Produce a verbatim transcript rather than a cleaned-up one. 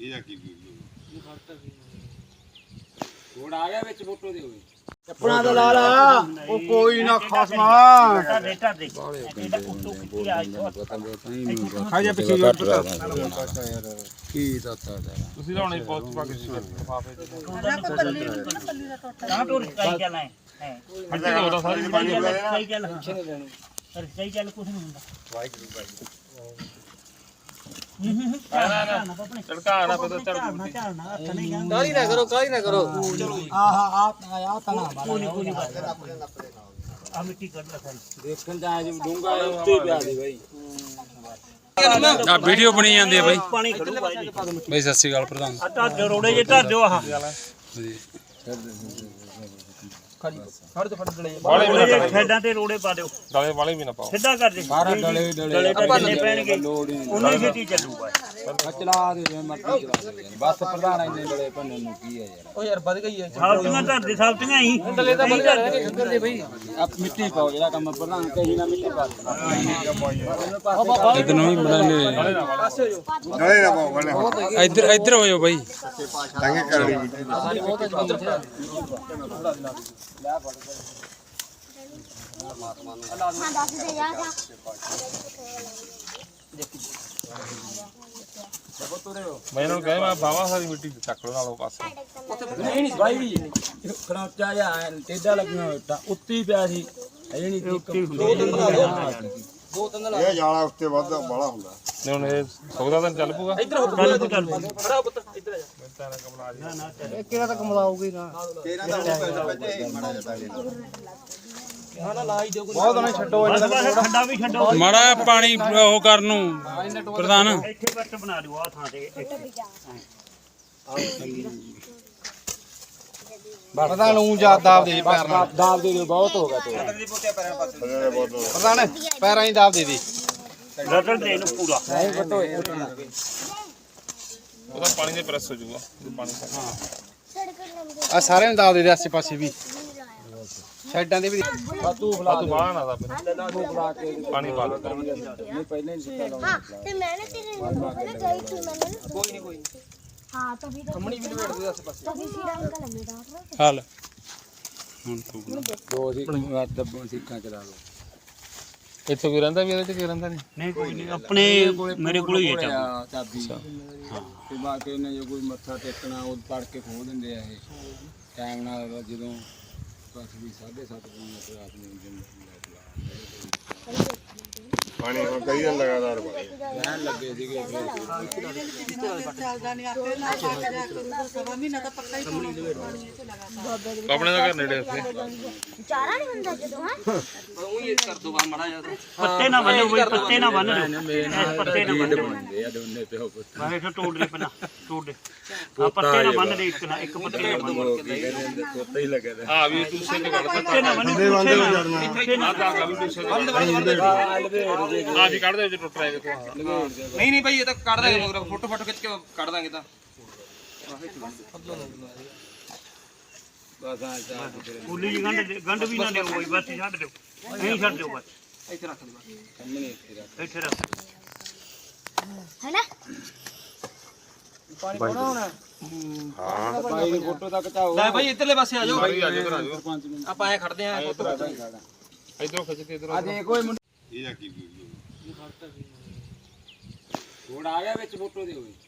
ਇਹਦਾ ਕੀ video code ਆ ਗਿਆ ਵਿੱਚ ਫੋਟੋ ਦੇ ਹੋਏ ਚੱਪਣਾ ਦਾ ਲਾ ਲਾ ਉਹ ਕੋਈ ਨਾ ਖਸਮਾ ਰੇਟਾ ਦੇ ਇਹਦਾ ਕੁੱਤੂ ਕੀ ਆ ਖਾ ਜਾ ਪਿੱਛੇ ਜੋਰ ਪਤਾ ਕੀ ਦੱਸਦਾ ਤੁਸੀਂ ਲਾਉਣੇ ਪੋਸਟ ਪਾ ਕੇ ਲਿਫਾਫੇ ਦੇ ਤਾਂ ਟੋਰ ਸਹੀ ਚੱਲਣਾ ਹੈ ਮਿੱਟੀ ਦਾ ਉਹਦਾ ਸਾਰੀ ਪਾਣੀ ਸਹੀ ਚੱਲ ਸਰ ਸਹੀ ਚੱਲ ਕੁਝ ਨਹੀਂ ਹੁੰਦਾ ਵਾਹਿਗੁਰੂ ਵਾਹਿਗੁਰੂ ਨਾ ਨਾ ਆਪਣੇ ਝੜਕਾ ਨਾ ਪਤਾ ਝੜ ਝਾੜਨਾ ਝਾੜਨਾ ਹੱਥ ਨਹੀਂ ਗਾਂ ਕਾਲੀ ਨਾ ਕਰੋ ਕਾਲੀ ਨਾ ਕਰੋ ਆਹ ਆਹ ਆਹ ਤਨਾ ਕੋਈ ਕੋਈ ਆ ਮਿੱਟੀ ਕੱਢ ਲੈ ਸਾਰੀ ਦੇਖਣ ਦਾ ਅੱਜ ਡੂੰਗਾ ਉੱਤੇ ਪਿਆ ਦੇ ਬਾਈ ਆ ਵੀਡੀਓ ਬਣੀ ਜਾਂਦੀ ਹੈ ਬਾਈ ਪਾਣੀ ਖੜੂ ਬਾਈ ਜੀ ਬਾਈ ਸਤਿ ਸ਼੍ਰੀ ਅਕਾਲ ਪ੍ਰਧਾਨ ਆ ਧਰ ਰੋੜੇ ਜੇ ਧਰ ਦਿਓ ਆਹ ਫੜ ਤੇ ਫੜ ਡਲੇ ਰੋੜੇ ਜੇ ਖੇਡਾਂ ਤੇ ਰੋੜੇ ਪਾ ਦਿਓ ਡਲੇ ਵਾਲੇ ਵੀ ਨਾ ਪਾਓ ਸਿੱਧਾ ਕਰ ਦੇ ਸਾਰਾ ਡਲੇ ਡਲੇ ਤਾਂ ਜਿੰਨੇ ਪੈਣਗੇ ਉਨੀ ਛੇਤੀ ਚੱਲੂਗਾ ਚਲਾ ਦੇ ਜਿਵੇਂ ਮਰਜ਼ੀ ਚਲਾ ਦੇ ਬਸ ਪ੍ਰਧਾਨ ਇੰਨੇ ਡਲੇ ਭੰਨਣ ਨੂੰ ਕੀ ਹੈ ਯਾਰ ਉਹ ਯਾਰ ਵੱਧ ਗਈ ਹੈ ਸਾਲਤੀਆਂ ਧਰ ਦੇ ਸਾਲਤੀਆਂ ਹੀ ਡਲੇ ਤਾਂ ਵੱਧ ਗਏ ਸ਼ੁਕਰ ਦੇ ਬਈ ਆ ਮਿੱਟੀ ਪਾਓ ਜਿਹੜਾ ਕੰਮ ਪ੍ਰਧਾਨ ਕਹੀ ਨਾ ਮਿੱਟੀ ਪਾ ਇਧਰ ਨੂੰ ਵੀ ਬਣਾਉਣੇ ਨਾਲੇ ਨਾ ਪਾਓ ਵਾਲੇ ਇੱਧਰ ਇੱਧਰ ਹੋ ਜਾਓ ਬਾਈ ਤੰਗੇ ਕਰ ਲਈ ਹਾਂ ਦੱਸ ਦੇ ਯਾਰ ਮੈਂ ਇਹਨਾਂ ਨੂੰ ਕਹਾਂ ਮੈਂ ਬਾਵਾ ਸਾਰੀ ਮਿੱਟੀ ਚੱਕ ਲਓ ਨਾਲੋਂ ਪਾਸੇ ਨਹੀਂ ਨਹੀਂ ਬਾਈ ਖੜਾਚਾ ਜਾਂ ਟੇਡਾ ਲੱਗਣਾ ਹੋਇਆ ਉੱਤੇ ਪਿਆ ਸੀ ਇਹ ਨਹੀਂ ਦੋ ਤਿੰਨ ਦੋ ਤਿੰਨ ਇਹ ਜਾਲਾ ਉੱਤੇ ਵੱਧ ਬਾਲਾ ਹੁੰਦਾ ਨੇ ਹੁਣ ਇਹ ਸੌਦਾ ਤਾਂ ਚੱਲ ਪੂਗਾ ਇੱਧਰ ਹੋ ਚੱਲ ਚੱਲ ਖੜਾ ਪੁੱਤ ਇੱਧਰ ਆ ਜਾ ਕਿਹੜਾ ਤੱਕ ਮਲਾਉਗੀ ਨਾ ਤੇਰਾ ਤਾਂ ਪੈਸੇ ਬੱਚੇ ਮਾੜਾ ਜਿਹਾ ਹਾਂ ਨਾ ਲਾ ਹੀ ਦਿਓ ਬਹੁਤ ਨਾ ਛੱਡੋ ਬਸ ਬਸ ਠੰਡਾ ਵੀ ਛੱਡੋ ਮਾੜਾ ਪਾਣੀ ਉਹ ਕਰਨ ਨੂੰ ਪ੍ਰਧਾਨ ਇੱਥੇ ਬੱਟ ਬਣਾ ਦਿਓ ਆ ਥਾਂ ਤੇ ਪਤਾ ਨੂੰ ਜਾ ਦਾਬ ਦੇ ਪੈਰ ਨਾਲ ਦਾਬ ਦੇ ਦਿਓ ਬਹੁਤ ਹੋ ਗਿਆ ਤੇ ਥੱਲੇ ਬਹੁਤ ਪ੍ਰਧਾਨ ਪੈਰਾਂ ਹੀ ਦਾਬ ਦੇ ਦੇ ਰਗੜ ਦੇ ਇਹਨੂੰ ਪੂਰਾ ਨਹੀਂ ਬਟੋ ਉਹਦਾ ਪਾਣੀ ਦੇ ਪ੍ਰੈਸ ਹੋ ਜਾਊਗਾ ਪਾਣੀ ਆ ਸਾਰਿਆਂ ਨੂੰ ਦਾਬ ਦੇ ਦੇ ਆਸੇ ਪਾਸੇ ਵੀ ਸਾਈਡਾਂ ਦੇ ਵੀ ਤੂੰ ਆ ਤੂੰ ਬਾਹਰ ਨਾ ਦਾ ਬੁਲਾ ਕੇ ਪਾਣੀ ਪਾ ਦੇ ਨਹੀਂ ਪਹਿਲਾਂ ਹੀ ਸਿੱਟਾ ਲਾਉਣਾ हाँ तो मैंने तेरे मैंने गई थी मैंने ਕੋਈ ਨਹੀਂ ਕੋਈ हाँ तभी तो ਕੰਮਣੀ ਵੀ ਲਵੇੜ ਦੇ ਆਸੇ ਪਾਸੇ तभी फिर अंकल हमें डांट रहे ਹਾਲ ਹੁਣ ਤੂੰ ਦੋ ਸੀ ਦੱਬੋਂ ਸਿੱਕਾਂ ਚਲਾ ਲਓ ਇੱਥੇ ਕੋਈ ਰਹਿੰਦਾ ਵੀ ਇਹਦੇ ਚ ਕੀ ਰਹਿੰਦਾ ਨਹੀਂ ਨਹੀਂ ਕੋਈ ਨਹੀਂ ਆਪਣੇ ਮੇਰੇ ਕੋਲ ਹੀ ਹੈ ਚਾਬੀ ਚਾਬੀ ਹਾਂ ਤੇ ਬਾਕੀ ਇਹਨੇ ਜੇ ਕੋਈ ਮੱਥਾ ਟੇਕਣਾ ਉਹ ਪੜ ਕੇ ਖੋਲ ਦਿੰਦੇ ਆ ਇਹ ਟਾਈਮ ਨਾਲ ਜਦੋਂ ਬਸ ਵੀ ਸਾਢੇ ਸੱਤ ਵਜੇ ਰਾਤ ਨੂੰ ਦਿਨ ਪਾਣੀ ਹੁਣ ਕਈ ਦਿਨ ਲਗਾਤਾਰ ਪਾਣੀ ਰਹਿਣ ਲੱਗੇ ਸੀਗੇ ਆਪਣੇ ਦਾ ਘਰ ਨੇੜੇ ਉੱਥੇ चारा नहीं बनता जो हां ਉਹ ਹੀ ਕਰ ਦੋ ਮਾੜਾ ਜਿਹਾ ਪੱਤੇ ਨਾ ਬੰਨੋ ਬਈ ਪੱਤੇ ਨਾ ਬੰਨ ਦਿਓ ਇਸ ਪੱਤੇ ਨਾ ਬੰਨ ਦਿਓ ਬੰਦੇ ਆ ਦੋਨੇ ਪਿਓ ਪੁੱਤ ਮੈਂ ਇੱਥੇ ਤੋੜ ਦੇ ਪਹਿਲਾਂ ਤੋੜ ਦੇ ਆ ਪੱਤੇ ਨਾ ਬੰਨ ਦੇ ਇੱਕ ਨਾ ਇੱਕ ਪੱਤੇ ਨਾ ਬੰਨ ਉਹ ਕੀ ਕਹਿੰਦੇ ਤੋਤਾ ਹੀ ਲੱਗਿਆ ਦਾ ਆ ਵੀ ਟੂਸੇ ਤੇ ਕੱਢ ਪੱਤੇ ਨਾ ਬੰਨ ਪੱਤੇ ਨਾ ਆ ਵੀ ਟੂਸੇ ਤੇ ਆ ਵੀ ਕੱਢ ਦੇ ਵਿੱਚ ਟੁੱਟ ਰਿਹਾ ਦੇਖੋ ਨਹੀਂ ਨਹੀਂ ਭਾਈ ਇਹ ਤਾਂ ਕੱਢ ਦਾਂਗੇ ਮਗਰ ਫੋਟੋ ਫੋਟੋ ਖਿੱਚ ਕੇ ਕੱਢ ਦਾਂਗੇ ਤਾਂ ਬਸ ਆ ਚਾਹ ਤੇਰੇ ਕੁੱਲੀ ਜੀ ਗੰਢ ਗੰਢ ਵੀ ਨਾ ਦਿਓ ਕੋਈ ਬਸ ਛੱਡ ਦਿਓ ਨਹੀਂ ਛੱਡ ਦਿਓ ਬਸ ਇੱਥੇ ਰੱਖ ਦੇ ਕੰਮਣੇ ਇੱਥੇ ਰੱਖ ਇੱਥੇ ਰੱਖ है ना ਪਾਣੀ ਪਾਉਣਾ ਹੋਣਾ ਹਾਂ ਬਾਈ ਦੀ ਫੋਟੋ ਤੱਕ ਚਾਹੋ ਲੈ ਭਾਈ ਇੱਧਰਲੇ ਪਾਸੇ ਆ ਜਾਓ ਭਾਈ ਆ ਜਾਓ ਆ ਜਾਓ ਪੰਜ ਮਿੰਟ ਆਪਾਂ ਐ ਖੜਦੇ ਆਂ ਫੋਟੋ ਇਧਰੋਂ ਖਿੱਚ ਕੇ ਇਧਰੋਂ ਆ ਦੇ ਕੋਈ ਮੁੰਡਾ ਇਹਦਾ ਕੀ ਵੀਡੀਓ ਕੋਡ ਆ ਗਿਆ ਵਿੱਚ ਫੋਟੋ ਦੇ ਹੋਏ